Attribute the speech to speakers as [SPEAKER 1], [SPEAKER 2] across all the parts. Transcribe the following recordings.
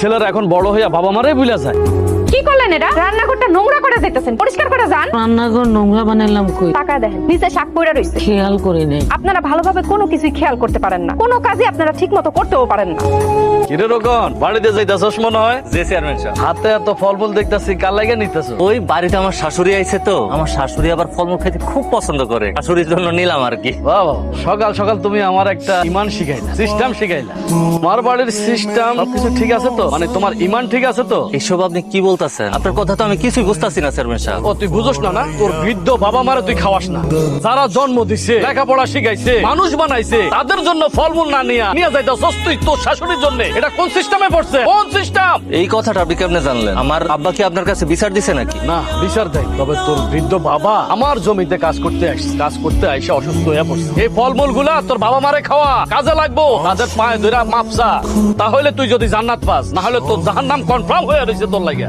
[SPEAKER 1] ছেলেরা এখন বড় হইয়া বাবা মারাই ভুলে যায়।
[SPEAKER 2] কি করলেন এটা? রান্নাঘরটা নোংরা করে যাইতেছেন, পরিষ্কার করে যান।
[SPEAKER 3] রান্নাঘর নোংরা বানাইলাম কই?
[SPEAKER 2] টাকা দেখেন নিচে শাক পড়ে রইছে,
[SPEAKER 3] খেয়াল করি নাই।
[SPEAKER 2] আপনারা ভালোভাবে কোনো কিছুই খেয়াল করতে পারেন না, কোনো কাজই আপনারা ঠিক মতো করতেও পারেন না।
[SPEAKER 1] কিরে রকন বাড়িতে যাইতাছস মনে হয়?
[SPEAKER 4] জি চেয়ারম্যান সাহেব।
[SPEAKER 1] হাতে এত ফলমূল দেখতাছি, কার লাগে নিতেছ?
[SPEAKER 4] ওই বাড়িতে আমার শাশুড়ি আইছে তো, আমার শাশুড়ি আবার ফলমূল খেতে খুব পছন্দ করে, শাশুড়ির জন্য নিলাম আর কি।
[SPEAKER 1] বাবা সকাল সকাল তুমি আমার একটা ইমান শিখাইলা, সিস্টেম শিখাইলা। তোমার বাড়ির সিস্টেম সবকিছু ঠিক আছে তো? মানে তোমার ইমান ঠিক আছে তো?
[SPEAKER 4] এসব আপনি কি বলতেছেন? আপনার কথা তো আমি কিছুই বুঝতেছি না চেয়ারম্যান সাহেব।
[SPEAKER 1] ও তুই বুঝোস না? না তোর বৃদ্ধ বাবা মারে তুই খাওয়াস না? যারা জন্ম দিছে, লেখাপড়া শিখাইছে, মানুষ বানাইছে, তাদের জন্য ফলমূল না নিয়ে যাইতাছস তুই তোর শাশুড়ির জন্য? এটা কোন সিস্টেমে পড়ছে? কোন সিস্টেম?
[SPEAKER 4] এই কথাটা আপনি কেমনে জানলেন? আমার আব্বা কি আপনার কাছে বিচার দিছে নাকি?
[SPEAKER 1] না বিচার দেয়, তবে তোর বৃদ্ধ বাবা আমার জমিতে কাজ করতে আসছে, কাজ করতে আইসে অসুস্থ হয়ে পড়ছে। এই ফলমূল গুলা তোর বাবা মারে খাওয়া, কাজে লাগবো। তাদের পায়ে ধরে মাপসা, তাহলে তুই যদি জান্নাত পাস, না হলে তোর জাহান্নাম কনফার্ম হয়ে রয়েছে তোর লাগে।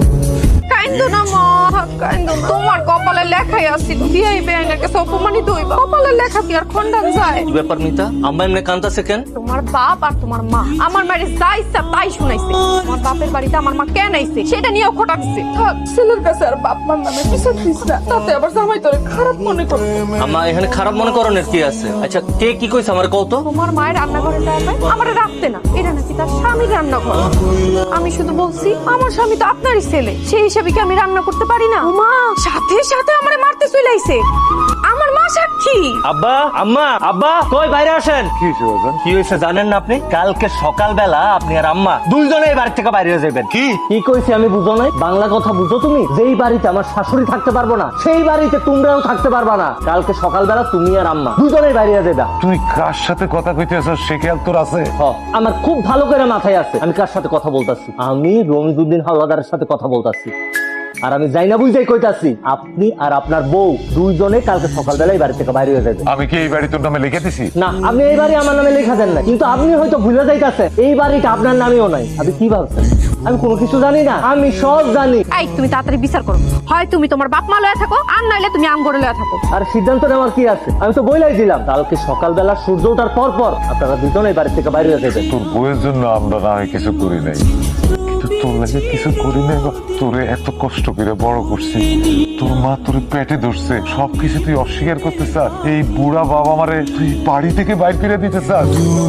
[SPEAKER 2] কাইন্দো না মা, কাইন্দো না। তোমার কপালে লেখাই আছিল বিয়াই বেআইনের কাছে অপমানিত হইবা। কপালে লেখা কি আর খণ্ডন যায়?
[SPEAKER 4] কি ব্যাপার মিতা, আম্মা এমনি কান্দাছে কেন?
[SPEAKER 2] তোমার বাপ আর তোমার মা আমার মায়ের যা ইচ্ছা তাই শুনাইছে। তোমার বাপের বাড়িতে আমার মা কেন আইছে সেটা নিয়েও খোটাচ্ছে। ছেলের কাছে আর বাপ মার নামে কিছু দিস না, তাতে আবার জামাই তোরে খারাপ মনে করে।
[SPEAKER 4] আম্মা এখানে খারাপ মনে করণের কি আছে? আচ্ছা কে কি কইছে আমার কও তো?
[SPEAKER 2] তোমার মায়ের রান্নাঘরে যায় আমারে রাখতে না, এটা নাকি তার স্বামীর রান্নাঘর। আমি শুধু বলছি আমার স্বামী তো আপনারই ছেলে, সেই হিসাবে কি আমি রান্না করতে পারি না? মা সাথে সাথে আমারে মারতে চলে আইছে, আমার মা সাক্ষী।
[SPEAKER 4] আব্বা আম্মা আব্বা কই বাইরে আসেন। কি হয়েছে জানেন না আপনি? কালকে সকালবেলা আপনি আর আম্মা দুইজনে বাড়ি থেকে বাইরে হয়ে যাবেন।
[SPEAKER 5] কি
[SPEAKER 6] কি কইছি আমি বুঝো নাই? বাংলা কথা বুঝো তুমি? যেই বাড়িতে আমার শাশুড়ি থাকতে পারবো না, সেই বাড়িতে তোমরাও থাকতে পারবা না। কালকে সকালবেলা তুমি আর আম্মা দুজনেই বাইরে যাবা।
[SPEAKER 5] তুই কার সাথে কথা কইতেছ সে খেয়াল তোর আছে?
[SPEAKER 6] আমার খুব ভালো করে মাথায় আছে আমি কার সাথে কথা বলতাছি। আমি রমিজউদ্দিন হাওলাদারের সাথে কথা বলতাছি। আর আমি যাই না বুঝাই কইতাছি, আপনি আর আপনার বউ দুইজনে কালকে সকালবেলায় বাড়ি থেকে বাইরে হয়ে যাবে।
[SPEAKER 5] আমি কি এই বাড়ি তোর নামে লিখে দিছি?
[SPEAKER 6] না, আপনি এই বাড়ি আমার নামে লেখা দেন না, কিন্তু আপনি হয়তো ভুলে যাইতাছেন এই বাড়িটা আপনার নামেও নাই। আপনি কি ভাবছেন আমি কোনো কিছু জানি না? আমি সব জানি।
[SPEAKER 2] এই তুমি তাড়াতাড়ি বিচার করো, হয় তুমি তোমার বাপ মা লয়া থাকো, আর নাইলে তুমি আমগরে লয়া থাকো।
[SPEAKER 6] আর সিদ্ধান্ত নেওয়ার কি আছে? আমি তো বইলাই দিলাম কালকে সকালবেলা সূর্য ওঠার পর পর আপনারা দুজনেই বাড়ি থেকে বাইরে হয়ে যাবেন।
[SPEAKER 5] তোর বউয়ের জন্য আমরা না হয় কিছু করি নাই, কিন্তু তোর লাগে কিছু করি নাই। তোরে এত কষ্ট করে বড় করছি, তোর মা তোরে পেটে ধরছে, সবকিছু তুই অস্বীকার করতে চাস? এই বুড়া বাবা মারে তুই বাড়ি থেকে বাইর করে দিতে চাস?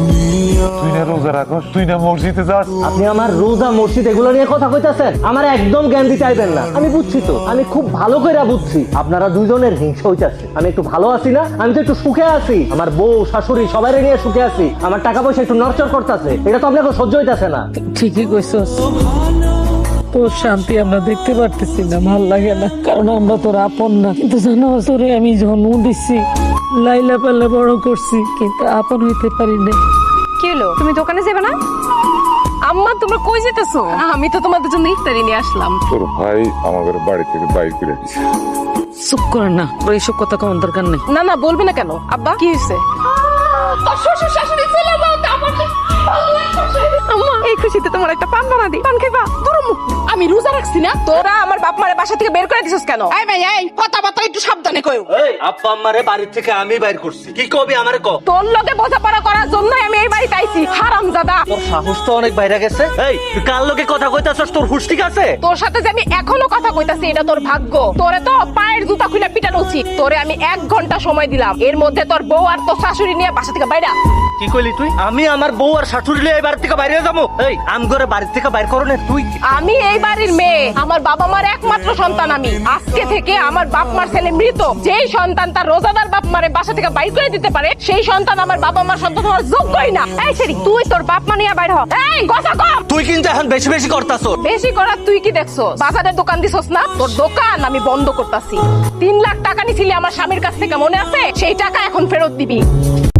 [SPEAKER 5] তুই না রোজা রাখস, তুই না মসজিদে যাস?
[SPEAKER 6] আপনি আমার রোজা মসজিদ এগুলো নিয়ে কথা কইতাছেন? আমার একদম জ্ঞান দিতে চাইবেন না। আমি বুঝছি তো, আমি খুব ভালো করে বুঝছি আপনারা দুজনের হিংসা হইতাছে। আমি একটু ভালো আছি না? আমি তো একটু সুখে আছি, আমার বউ শাশুড়ি সবাই নিয়ে সুখে আছি। আমার টাকা পয়সা একটু নড়চড় করতেছে, এটা তো আপনাকে সহ্য হইতাছে না।
[SPEAKER 3] ঠিকই কইছস, তোর শান্তি আমরা দেখতে পারতেছি না, ভাল লাগে না, কারণ আমরা তোর আপন না। কিন্তু জানো তোরে আমি জন্ম দিচ্ছি, লাইলা পাল্লা বড় করছি, কিন্তু আপন হইতে পারি না।
[SPEAKER 2] কি হলো, তুমি দোকানে যাবে না? আম্মা তোমরা কই যেতেছো? আমি তো তোমাদের জন্য ইফতারি নিয়ে আসলাম।
[SPEAKER 5] তোর ভাই আমাদের বাড়ি থেকে বাইর করে দিছে।
[SPEAKER 3] চুপ কর না, তোর এইসব কথা কোন দরকার নেই।
[SPEAKER 2] না না বলবি না কেন? আব্বা কি হয়েছে? আম্মা এই খুশিতে তোমার একটা পান বানা দিই, পান খাইবা? আমি রোজা রাখছি না, তোরা আমার বাপ মারে বাসা থেকে বের করে দিছিস কেন? এই ভাই এই কথাবার্তা একটু সাবধানে কইও।
[SPEAKER 4] এই আব্বা আম্মারে বাড়ি থেকে আমি বাইর করছি, কি কবি আমারে ক?
[SPEAKER 2] তোর লগে বোঝাপড়া করার জন্যই আমি এই বাড়িতে আইছি, হারামজাদা।
[SPEAKER 4] তোর সাহস তো অনেক বাইরে গেছে। এই তুই কার লোকে কথা কইতাছস? তোর হুঁশ ঠিক আছে?
[SPEAKER 2] তোর সাথে যে আমি এখনো কথা কইতাছি এটা তোর ভাগ্য। তোরে তো পায়ের জুতা খুলে পিটানো উচিত। তোরে আমি 1 ঘন্টা সময় দিলাম, এর মধ্যে তোর বউ আর তোর শাশুড়ি নিয়ে বাসা থেকে বাইরে।
[SPEAKER 4] কি কইলি তুই? আমি আমার বউ আর শাশুড়ি নিয়ে এই বাড়ি থেকে বাইরে যাবো? এই আমগরে বাড়ি থেকে বাইর করো না তুই?
[SPEAKER 2] আমি এই বাড়ির মেয়ে, আমার বাবা মার একমাত্র সন্তান আমি। আজকে থেকে আমার বাপ মার ছেলে মৃত। যেই সন্তান তার রোজাদার বাপ মারে বাসা থেকে বাইর করে দিতে পারে, সেই সন্তান আমার বাবা মার সন্তান হওয়ার যোগ্যই না। এই সেরি তুই তোর বাপ মা নিয়ে বাইর হ। এই কথা কম।
[SPEAKER 4] তুই কিন্তু এখন বেশি বেশি করতাছস।
[SPEAKER 2] বেশি করার তুই কি দেখছস? বাজারের দোকান দিছস না? তোর দোকান আমি বন্ধ করতাছি। 3 লাখ টাকা নিছিলি আমার স্বামীর কাছ থেকে, মনে আছে? সেই টাকা এখন ফেরত দিবি।